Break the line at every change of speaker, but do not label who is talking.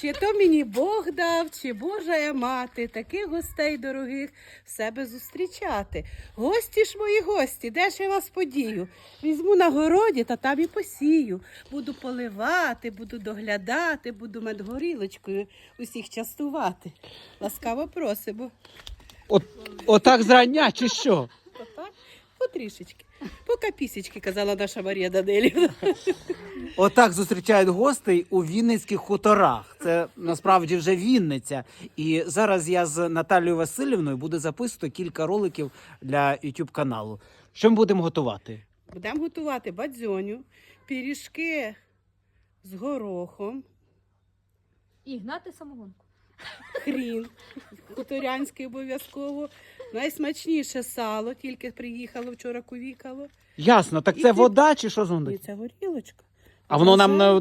Чи то мені Бог дав, чи Божа я мати, таких гостей дорогих в себе зустрічати. Гості ж мої гості, де ж я вас подію? Візьму на городі та там і посію. Буду поливати, буду доглядати, буду медгорілочкою усіх частувати. Ласкаво просимо.
Отак зрання чи що?
Отак, потрішечки. По капісечки, казала наша Марія Данилівна.
Отак зустрічають гостей у Вінницьких хуторах. Це насправді вже Вінниця. І зараз я з Наталією Васильівною буду записувати кілька роликів для YouTube каналу. Що ми будемо готувати?
Будемо готувати бадзьоню, пиріжки з горохом,
І гнати самогонку.
хрін хуторянський обов'язково, найсмачніше сало, тільки приїхало, вчора кувікало.
Ясно, так
І
це
ти-
вода чи що з
І
води?
це горілочка.
А воно нам